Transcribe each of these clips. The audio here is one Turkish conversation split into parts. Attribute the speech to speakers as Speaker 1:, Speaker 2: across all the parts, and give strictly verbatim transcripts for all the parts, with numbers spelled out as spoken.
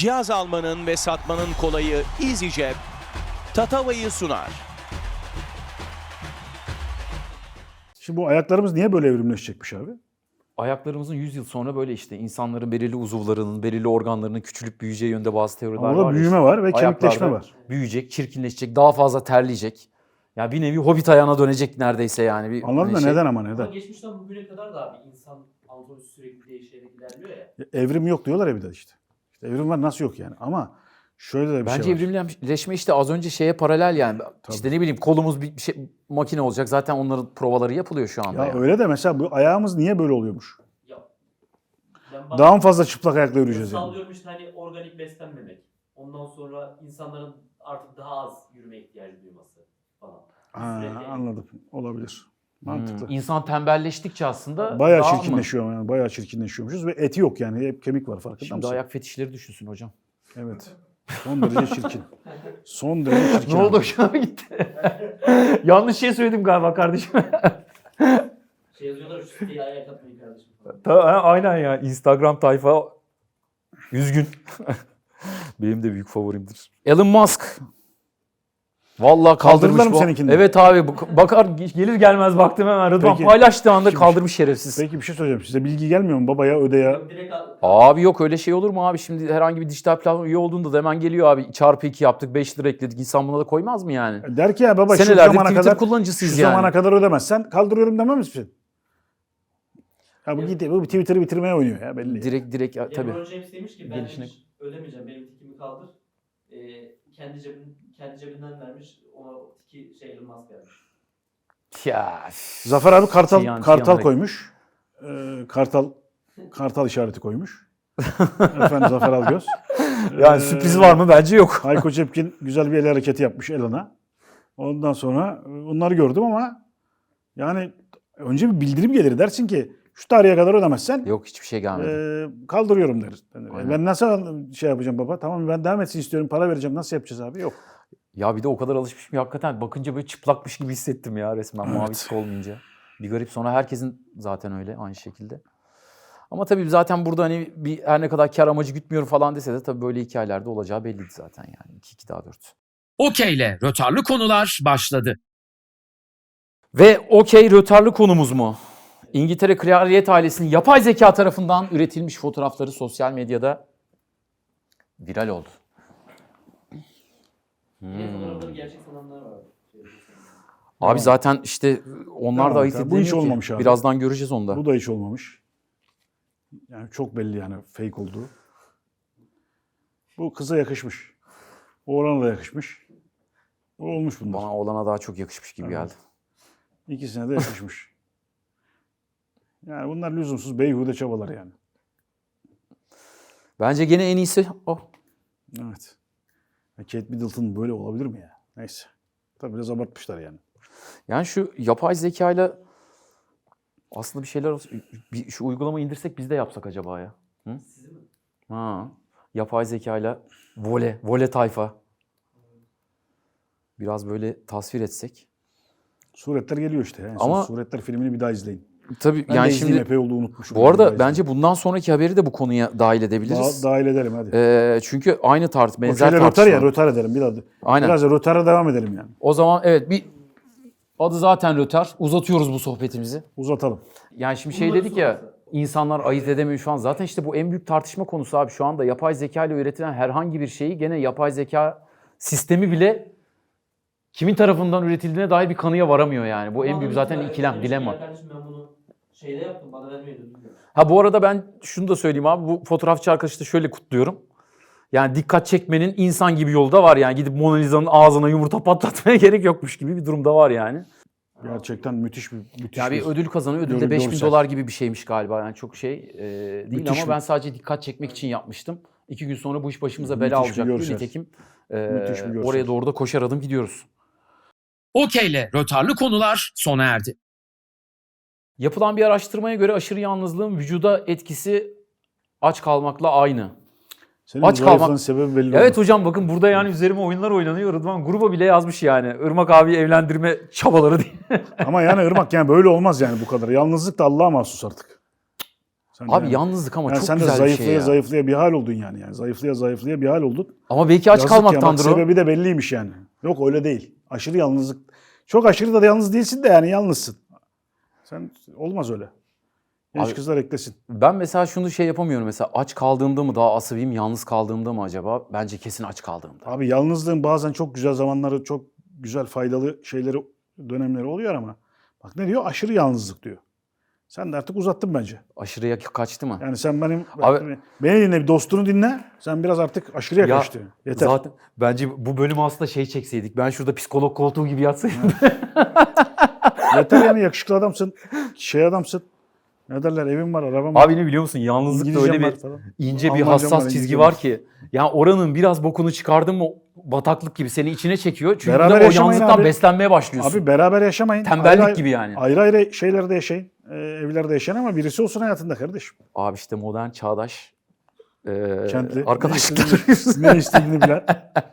Speaker 1: Cihaz almanın ve satmanın kolayı EasyCep, Tatava'yı sunar.
Speaker 2: Şimdi bu ayaklarımız niye böyle evrimleşecekmiş abi?
Speaker 3: Ayaklarımızın yüz yıl sonra böyle işte insanların belirli uzuvlarının, belirli organlarının küçülüp büyüyeceği yönde bazı teoriler var.
Speaker 2: Orada
Speaker 3: ya
Speaker 2: büyüme
Speaker 3: işte.
Speaker 2: var ve
Speaker 3: Ayaklarda
Speaker 2: kemikleşme var.
Speaker 3: Büyüyecek, çirkinleşecek, daha fazla terleyecek. Ya bir nevi hobbit ayağına dönecek neredeyse yani. Bir
Speaker 2: Anladın da
Speaker 3: şey.
Speaker 2: neden ama
Speaker 4: Ama
Speaker 2: neden?
Speaker 4: geçmişten bugüne kadar da abi insan anatomisi sürekli değişerek ilerliyor ya.
Speaker 2: Evrim yok diyorlar ya bir de işte. İşte evrim var, nasıl yok yani? Ama şöyle de bir
Speaker 3: Bence
Speaker 2: şey var.
Speaker 3: evrimleşme işte az önce şeye paralel yani. İşte ne bileyim kolumuz bir şey, makine olacak. Zaten onların provaları yapılıyor şu anda.
Speaker 2: Ya
Speaker 3: yani.
Speaker 2: öyle de mesela bu ayağımız niye böyle oluyormuş?
Speaker 4: Ya ben bak-
Speaker 2: Daha mı fazla çıplak ayakla yürüyeceğiz yani?
Speaker 4: sallıyorum işte hani organik beslenmemek. Ondan sonra insanların artık daha az yürüme ihtiyacı duyması falan.
Speaker 2: Ha,
Speaker 4: Sürekli-
Speaker 2: anladım. Olabilir. Mantıklı.
Speaker 3: Hmm, İnsan tembelleştikçe aslında
Speaker 2: Bayağı
Speaker 3: daha mı?
Speaker 2: çirkinleşiyor yani. Bayağı çirkinleşiyormuşuz ve eti yok yani. Hep kemik var, farkında
Speaker 3: Şimdi
Speaker 2: mısın?
Speaker 3: ayak fetişleri düşünsün hocam.
Speaker 2: Evet. Son derece çirkin. Son derece çirkin.
Speaker 3: Ne oldu
Speaker 2: abi.
Speaker 3: hoşuma gitti. Yanlış şey söyledim galiba kardeşim.
Speaker 4: Şey yazıyorlar şu siteyi ayak atmayı kardeşim falan.
Speaker 3: Ta- ha, Aynen ya. Instagram tayfa üzgün. Benim de büyük favorimdir. Elon Musk. Vallahi kaldırmış
Speaker 2: Kaldırdılar mı
Speaker 3: bu.
Speaker 2: seninkini de?
Speaker 3: Evet abi. bu- Bakar gelir gelmez baktım hemen Rıdvan
Speaker 2: Peki.
Speaker 3: paylaştığı anda
Speaker 2: Şimdi-
Speaker 3: kaldırmış şerefsiz.
Speaker 2: Peki bir şey söyleyeceğim. Size bilgi gelmiyor mu babaya, ödeye?
Speaker 4: Direkt al-
Speaker 3: Abi yok öyle şey olur mu abi? Şimdi herhangi bir dijital platform üye olduğunda da hemen geliyor abi. Çarpı iki yaptık, beş lira ekledik. İnsan buna da koymaz mı yani?
Speaker 2: Der ki ya baba şu
Speaker 3: Senelerdir
Speaker 2: zamana
Speaker 3: Twitter
Speaker 2: kadar
Speaker 3: kullanıcısıyız
Speaker 2: şu
Speaker 3: yani.
Speaker 2: zamana kadar ödemezsen kaldırıyorum demem misin? Ya bu, git, bu Twitter'ı bitirmeye oynuyor ya belli.
Speaker 3: Direkt direkt ya, tabii.
Speaker 4: LeBron James demiş ki ben
Speaker 3: Gelişine-
Speaker 4: demiş, ödemeyeceğim benim tikimi kaldır. Ee, kendi cebin kendi cebinden vermiş ona tiki şey Elon Musk vermiş.
Speaker 3: Ya.
Speaker 2: Zafer abi kartal
Speaker 3: Tiyan,
Speaker 2: kartal
Speaker 3: tiyan.
Speaker 2: koymuş. Ee, kartal kartal işareti koymuş. Efendim Zafer Algöz.
Speaker 3: Yani
Speaker 2: Ee,
Speaker 3: sürpriz var mı? Bence yok.
Speaker 2: Hayko Cepkin güzel bir el hareketi yapmış Elon'a. Ondan sonra e, onları gördüm ama yani önce bir bildirim gelir, dersin ki şu tarihe kadar ödemezsen
Speaker 3: Yok hiçbir şey gelmedi.
Speaker 2: e, kaldırıyorum der. Yani
Speaker 3: Aynen.
Speaker 2: ben nasıl şey yapacağım baba? Tamam ben devam etsin istiyorum, para vereceğim. Nasıl yapacağız abi? Yok.
Speaker 3: Ya bir de o kadar alışmışım ki hakikaten bakınca böyle çıplakmış gibi hissettim ya resmen
Speaker 2: Evet.
Speaker 3: mavi tık olmayınca. Bir garip, sonra herkesin zaten öyle aynı şekilde. Ama tabii zaten burada hani bir her ne kadar kar amacı gütmüyorum falan dese de tabii böyle hikayelerde olacağı belliydi zaten yani. iki iki daha dört.
Speaker 5: Okey'le rötarlı konular başladı.
Speaker 3: Ve okey rötarlı konumuz mu? İngiltere Kraliyet ailesinin yapay zeka tarafından üretilmiş fotoğrafları sosyal medyada viral oldu.
Speaker 4: Yine fotoğrafları gerçek sananlar var. Şey,
Speaker 3: Abi zaten işte onlar
Speaker 2: Tamam,
Speaker 3: da ayırt
Speaker 2: tamam. Bu hiç
Speaker 3: edilemiyor ki.
Speaker 2: olmamış abi.
Speaker 3: Birazdan göreceğiz onu da.
Speaker 2: Bu da hiç olmamış. Yani çok belli yani fake olduğu. Bu kıza yakışmış. Oğlana da yakışmış. Bu olmuş bunlar.
Speaker 3: Bana oğlana daha çok yakışmış gibi
Speaker 2: Evet.
Speaker 3: geldi.
Speaker 2: İkisine de yakışmış. Yani bunlar lüzumsuz beyhude çabalar yani.
Speaker 3: Bence gene en iyisi o.
Speaker 2: Evet. Ya Kate Middleton böyle olabilir mi ya? Neyse. Tabii biraz abartmışlar yani.
Speaker 3: Yani şu yapay zekayla aslında bir şeyler olsa, bir, şu uygulamayı indirsek biz de yapsak acaba ya? Hı?
Speaker 4: Sizi mi?
Speaker 3: Ha. Yapay zekayla vole, vole tayfa. Biraz böyle tasvir etsek.
Speaker 2: Suretler geliyor işte. En
Speaker 3: Ama-
Speaker 2: son Suretler filmini bir daha izleyin.
Speaker 3: Tabii
Speaker 2: Ben
Speaker 3: yani
Speaker 2: de izleyeyim,
Speaker 3: şimdi
Speaker 2: epey oldu unutmuşum.
Speaker 3: bu
Speaker 2: Bir daha
Speaker 3: arada
Speaker 2: izleyeyim.
Speaker 3: bence bundan sonraki haberi de bu konuya dahil edebiliriz.
Speaker 2: Daha, dahil edelim hadi.
Speaker 3: Ee, çünkü aynı tart, benzer
Speaker 2: Okey'le rötar
Speaker 3: tartışma.
Speaker 2: ya, rötar edelim biraz.
Speaker 3: Aynen.
Speaker 2: Biraz da rötara devam edelim yani.
Speaker 3: O zaman evet bir adı zaten rötar. Uzatıyoruz bu sohbetimizi.
Speaker 2: Uzatalım.
Speaker 3: Yani şimdi şey
Speaker 4: Bunları
Speaker 3: dedik ya,
Speaker 4: sorarsa.
Speaker 3: insanlar ayırt edemiyor şu an. Zaten işte bu en büyük tartışma konusu abi. Şu anda yapay zeka ile üretilen herhangi bir şeyi gene yapay zeka sistemi bile kimin tarafından üretildiğine dair bir kanıya varamıyor yani. Bu en büyük zaten
Speaker 4: Adam
Speaker 3: ikilem,
Speaker 4: demiş ki,
Speaker 3: dilema.
Speaker 4: Ya kardeşim ben bunu şeyde yaptım bana vermeyi dedim.
Speaker 3: Ha bu arada ben şunu da söyleyeyim abi. Bu fotoğrafçı arkadaşı da şöyle kutluyorum. Yani dikkat çekmenin insan gibi yolu da var yani. Gidip Mona Lisa'nın ağzına yumurta patlatmaya gerek yokmuş gibi bir durumda var yani.
Speaker 2: Gerçekten müthiş bir müthiş
Speaker 3: Ya bir
Speaker 2: bir
Speaker 3: ödül kazanıyor. Ödül
Speaker 2: gör-
Speaker 3: de beş bin
Speaker 2: görsel.
Speaker 3: dolar gibi bir şeymiş galiba. Yani çok şey e, değil
Speaker 2: Müthiş
Speaker 3: ama
Speaker 2: bir-
Speaker 3: ben sadece dikkat çekmek için yapmıştım. İki gün sonra bu iş başımıza
Speaker 2: Müthiş
Speaker 3: bela
Speaker 2: bir
Speaker 3: olacak diye
Speaker 2: görsel.
Speaker 3: nitekim e,
Speaker 2: Müthiş bir görsel.
Speaker 3: oraya doğru da koşar adım gidiyoruz.
Speaker 5: Okey'le rötarlı konular sona erdi.
Speaker 3: Yapılan bir araştırmaya göre aşırı yalnızlığın vücuda etkisi aç kalmakla aynı.
Speaker 2: Senin
Speaker 3: Aç
Speaker 2: bu zayıflığın
Speaker 3: kalmak-
Speaker 2: sebebi belli
Speaker 3: Evet
Speaker 2: oldu.
Speaker 3: hocam bakın burada yani üzerime oyunlar oynanıyor. Rıdvan gruba bile yazmış yani. Irmak abi evlendirme çabaları diye.
Speaker 2: Ama yani Irmak yani böyle olmaz yani bu kadar. Yalnızlık da Allah'a mahsus artık. Sen
Speaker 3: Abi
Speaker 2: yani-
Speaker 3: yalnızlık ama
Speaker 2: yani
Speaker 3: çok
Speaker 2: sen de
Speaker 3: güzel bir
Speaker 2: zayıflaya
Speaker 3: şey ya.
Speaker 2: zayıflaya bir hal oldun yani. yani. Zayıflaya zayıflaya bir hal oldun.
Speaker 3: Ama belki aç
Speaker 2: Yazık ya, bak,
Speaker 3: kalmaktandır o.
Speaker 2: sebebi de belliymiş yani. Yok öyle değil. Aşırı yalnızlık. Çok aşırı da yalnız değilsin de yani yalnızsın. Sen olmaz öyle. Genç
Speaker 3: Abi-
Speaker 2: kızlar eklesin.
Speaker 3: Ben mesela şunu şey yapamıyorum. Mesela aç kaldığımda mı daha asabiyim, yalnız kaldığımda mı acaba? Bence kesin aç kaldığımda.
Speaker 2: Abi yalnızlığın bazen çok güzel zamanları, çok güzel faydalı şeyleri, dönemleri oluyor ama bak ne diyor? Aşırı yalnızlık diyor. Sen de artık uzattın bence.
Speaker 3: Aşırıya kaçtı mı?
Speaker 2: Yani sen benim
Speaker 3: Abi-
Speaker 2: beni dinle, bir dostunu dinle. Sen biraz artık aşırıya
Speaker 3: Ya,
Speaker 2: kaçtın. Yeter.
Speaker 3: Zaten bence bu bölümü aslında şey çekseydik. Ben şurada psikolog koltuğu gibi yatsaydım.
Speaker 2: Yeter yani, yakışıklı adamsın. Şey adamsın. Ne derler? Evin var, araban var.
Speaker 3: Abi ne biliyor musun? Yalnızlıkta
Speaker 2: İngilizcem
Speaker 3: öyle
Speaker 2: var
Speaker 3: bir
Speaker 2: falan.
Speaker 3: ince bir
Speaker 2: Almancam
Speaker 3: hassas
Speaker 2: var,
Speaker 3: çizgi
Speaker 2: İngilizcem
Speaker 3: var
Speaker 2: var.
Speaker 3: ki. Yani oranın biraz bokunu çıkardın mı bataklık gibi seni içine çekiyor. Çünkü
Speaker 2: Beraber
Speaker 3: bir de o
Speaker 2: yaşamayın
Speaker 3: yalnızlıktan
Speaker 2: abi.
Speaker 3: beslenmeye başlıyorsun.
Speaker 2: Abi beraber yaşamayın.
Speaker 3: Tembellik
Speaker 2: Ayrı-
Speaker 3: gibi yani.
Speaker 2: Ayrı ayrı şeylerde yaşayın. E, evlerde yaşayın ama birisi olsun hayatında kardeşim.
Speaker 3: Abi işte modern, çağdaş e,
Speaker 2: Kentli.
Speaker 3: arkadaşlıklar.
Speaker 2: Ne istediğini, ne istediğini bilen.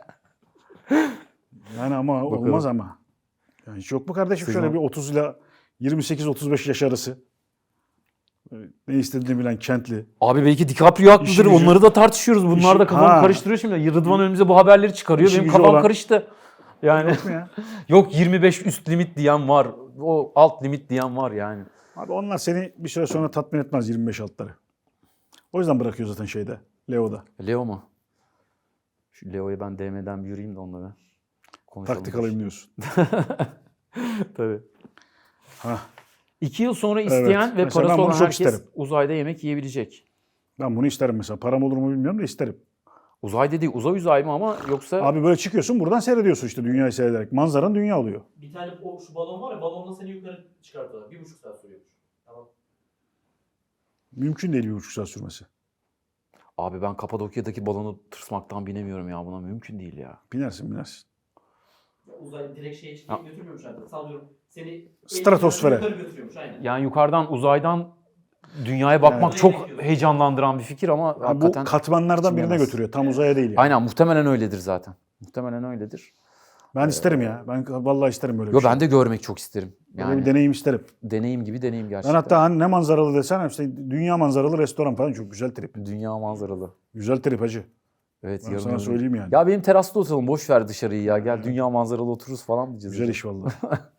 Speaker 2: Yani ama
Speaker 3: Bakalım.
Speaker 2: olmaz ama. Yani hiç yok mu kardeşim
Speaker 3: Sizin
Speaker 2: şöyle
Speaker 3: o-
Speaker 2: bir otuz ile yirmi sekiz otuz beş yaş arası. Böyle Ne istediğini bilen kentli.
Speaker 3: Abi belki DiCaprio haklıdır.
Speaker 2: İşi gücü-
Speaker 3: Onları da tartışıyoruz. Bunlar
Speaker 2: İşi-
Speaker 3: da kafamı
Speaker 2: Ha.
Speaker 3: karıştırıyor şimdi. Rıdvan önümüze bu haberleri çıkarıyor.
Speaker 2: İşi
Speaker 3: Benim
Speaker 2: gücü
Speaker 3: kafam
Speaker 2: olan-
Speaker 3: karıştı. Yani
Speaker 2: Yok mu ya?
Speaker 3: yok yirmi beş üst limit diyen var. O alt limit diyen var yani.
Speaker 2: Abi onlar seni bir süre sonra tatmin etmez yirmi beş altları. O yüzden bırakıyor zaten şeyde. Leo'da.
Speaker 3: Leo mu? Şu Leo'ya ben D M'den bir yürüyeyim de onunla. Konuşalım.
Speaker 2: Taktik alayım diyorsun.
Speaker 3: Tabii.
Speaker 2: Hah.
Speaker 3: İki yıl sonra
Speaker 2: Evet.
Speaker 3: isteyen ve
Speaker 2: Mesela
Speaker 3: parası
Speaker 2: ben bunu
Speaker 3: olan
Speaker 2: çok
Speaker 3: herkes
Speaker 2: isterim.
Speaker 3: uzayda yemek yiyebilecek.
Speaker 2: Ben bunu isterim mesela. Param olur mu bilmiyorum da isterim.
Speaker 3: Uzay dediği uzay uzay mı ama yoksa
Speaker 2: Abi böyle çıkıyorsun buradan seyrediyorsun işte dünyayı seyrederek. Manzaran dünya oluyor.
Speaker 4: Bir tane o şu balon var ya, balonla seni yukarı çıkartıyorlar. Bir buçuk saat sürüyormuş. Tamam.
Speaker 2: Mümkün değil bir buçuk saat sürmesi.
Speaker 3: abi ben Kapadokya'daki balonu tırsmaktan binemiyorum ya, buna mümkün değil ya.
Speaker 2: Binersin binersin.
Speaker 4: Uzay direkt şeye
Speaker 3: Ha.
Speaker 4: çıkıp götürmüyormuş artık. Sallıyorum. Seni
Speaker 2: Stratosfere.
Speaker 4: yukarı götürüyormuş aynen.
Speaker 3: Yani yukarıdan uzaydan dünyaya bakmak
Speaker 4: Yani-
Speaker 3: çok heyecanlandıran bir fikir ama
Speaker 2: Yani bu
Speaker 3: hakikaten
Speaker 2: katmanlardan birine
Speaker 3: içim
Speaker 2: götürüyor. Tam uzaya değil yani.
Speaker 3: aynen muhtemelen öyledir zaten. Muhtemelen öyledir.
Speaker 2: Ben isterim ya. Ben vallahi isterim böyle bir
Speaker 3: Yo
Speaker 2: şey.
Speaker 3: ben de görmek çok isterim.
Speaker 2: Böyle
Speaker 3: Yani
Speaker 2: bir deneyim isterim.
Speaker 3: deneyim gibi deneyim
Speaker 2: Ben
Speaker 3: gerçekten.
Speaker 2: hatta hani ne manzaralı desen işte dünya manzaralı restoran falan çok güzel trip.
Speaker 3: Dünya manzaralı.
Speaker 2: Güzel trip hacı.
Speaker 3: Evet
Speaker 2: Ben
Speaker 3: yarın
Speaker 2: sana
Speaker 3: öbür-
Speaker 2: söyleyeyim yani.
Speaker 3: Ya benim terasta oturalım, boş ver dışarıyı ya. Gel dünya manzaralı otururuz falan diyeceğiz.
Speaker 2: Güzel iş vallahi.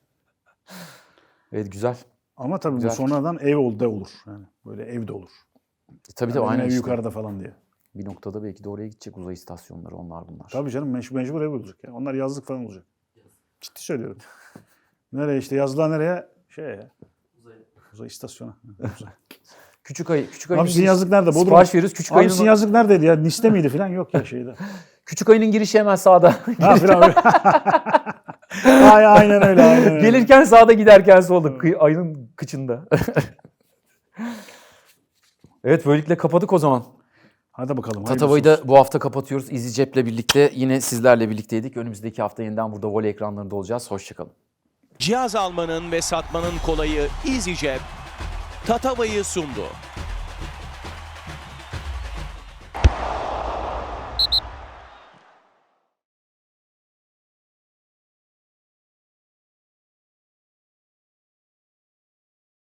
Speaker 3: Evet güzel.
Speaker 2: Ama tabii
Speaker 3: Güzel
Speaker 2: bu sonradan ev oldu olur. Yani böyle evde olur.
Speaker 3: E, tabii
Speaker 2: Yani
Speaker 3: tabii
Speaker 2: benim
Speaker 3: aynen
Speaker 2: ev
Speaker 3: işte.
Speaker 2: yukarıda falan diye.
Speaker 3: Bir noktada belki de oraya gidecek uzay istasyonları, onlar bunlar.
Speaker 2: Tabii canım mecbur, mecbur ev olacak ya. Onlar yazlık falan olacak. Ciddi söylüyorum. Nereye işte yazlığa nereye? Şey ya.
Speaker 4: Uzay.
Speaker 2: Uzay istasyonu. Uzay.
Speaker 3: Küçük ayı, küçük ayının
Speaker 2: Abi sizin
Speaker 3: giriş-
Speaker 2: yazlık nerede? Bodrum.
Speaker 3: Sipariş veriyoruz. Küçük
Speaker 2: Abi
Speaker 3: ayının,
Speaker 2: sizin yazlık neredeydi ya? Nice'de miydi falan? Yok ya şeyde.
Speaker 3: küçük ayının girişi hemen sağda.
Speaker 2: Ha falan öyle. Ay, aynen öyle. Aynen öyle.
Speaker 3: Gelirken sağda, giderken solda. Kıy- ayının kıçında. Evet böylelikle kapadık o zaman.
Speaker 2: Hadi bakalım.
Speaker 3: Tatava'yı
Speaker 2: hayırlısı
Speaker 3: da bu hafta kapatıyoruz. EasyJet'le birlikte yine sizlerle birlikteydik. Önümüzdeki hafta yeniden burada voley ekranlarında olacağız. Hoşçakalın.
Speaker 1: Cihaz almanın ve satmanın kolayı EasyJet, Tatava'yı sundu.